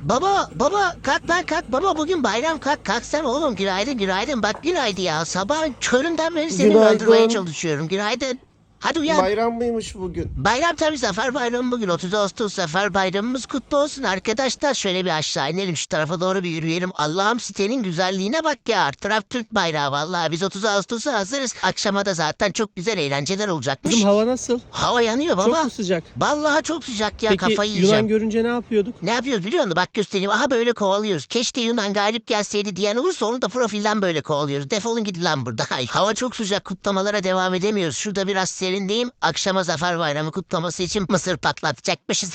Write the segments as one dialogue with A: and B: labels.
A: Baba kalk lan kalk baba bugün bayram kalk sen oğlum günaydın bak günaydın ya sabah köründen beri seni öldürmeye
B: Günaydın.
A: çalışıyorum günaydın. Hadi uyan.
B: Bayram mıymış bugün?
A: Bayram tabii Zafer Bayramı bugün 30 Ağustos Zafer Bayramımız kutlu olsun arkadaşlar. Şöyle bir aşağı inelim şu tarafa doğru bir yürüyelim. Allah'ım sitenin güzelliğine bak ya. Her taraf Türk bayrağı vallahi biz 30 Ağustos'a hazırız. Akşama da zaten çok güzel eğlenceler olacakmış.
C: Kızım hava nasıl?
A: Hava yanıyor baba.
C: Çok mu sıcak?
A: Vallahi çok sıcak ya
C: Peki
A: kafayı
C: Yunan
A: yiyeceğim.
C: görünce ne yapıyorduk?
A: Ne yapıyoruz biliyor musun? Bak göstereyim. Aha böyle kovalıyoruz. Keşke Yunan galip gelseydi diyen olursa onu da profilden böyle kovalıyoruz. Defolun gidin lan burada. Ay, hava çok sıcak kutlamalara devam edemiyoruz. Şurada biraz serindeyim. Akşama Zafer Bayramı kutlaması için mısır patlatacakmışız.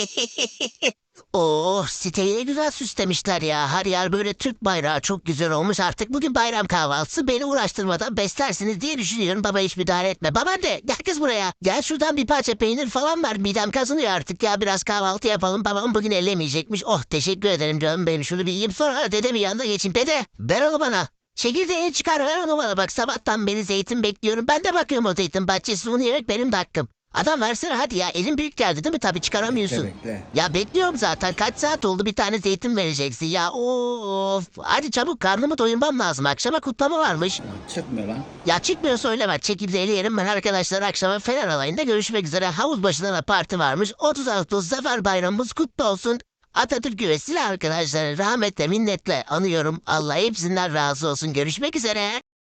A: Oh siteyi ne güzel süslemişler ya. Her yer böyle Türk bayrağı çok güzel olmuş. Artık bugün bayram kahvaltısı beni uğraştırmadan beslersiniz diye düşünüyorum. Baba hiç müdahale etme. Babaanne gel kız buraya. Gel şuradan bir parça peynir falan ver. Midem kazınıyor artık ya. Biraz kahvaltı yapalım. Babam bugün ellemeyecekmiş. Oh teşekkür ederim canım benim. Şunu bir yiyeyim sonra dedemin yanına geçeyim. Dede ver onu bana. Çekirdeğini çıkar ver onu bana bak. Sabahtan beri zeytin bekliyorum. Ben de bakıyorum o zeytin bahçesi. Bunu yemek benim de hakkım. Adam versene hadi ya. Elin büyük geldi değil mi? Tabii çıkaramıyorsun.
B: Bekle.
A: Ya bekliyorum zaten. Kaç saat oldu bir tane zeytin vereceksin ya. Of. Hadi çabuk karnımı doyurmam lazım. Akşama kutlama varmış.
B: Çıkmıyor lan.
A: Ya çıkmıyor söyleme. Çekirdeğini yerim ben arkadaşlar. Akşama Fener Alayı'nda görüşmek üzere. Havuz başında da parti varmış. 30 Ağustos Zafer Bayramımız kutlu olsun. Atatürk güvesiyle arkadaşlar rahmetle minnetle anıyorum. Allah hepsinden razı olsun. Görüşmek üzere.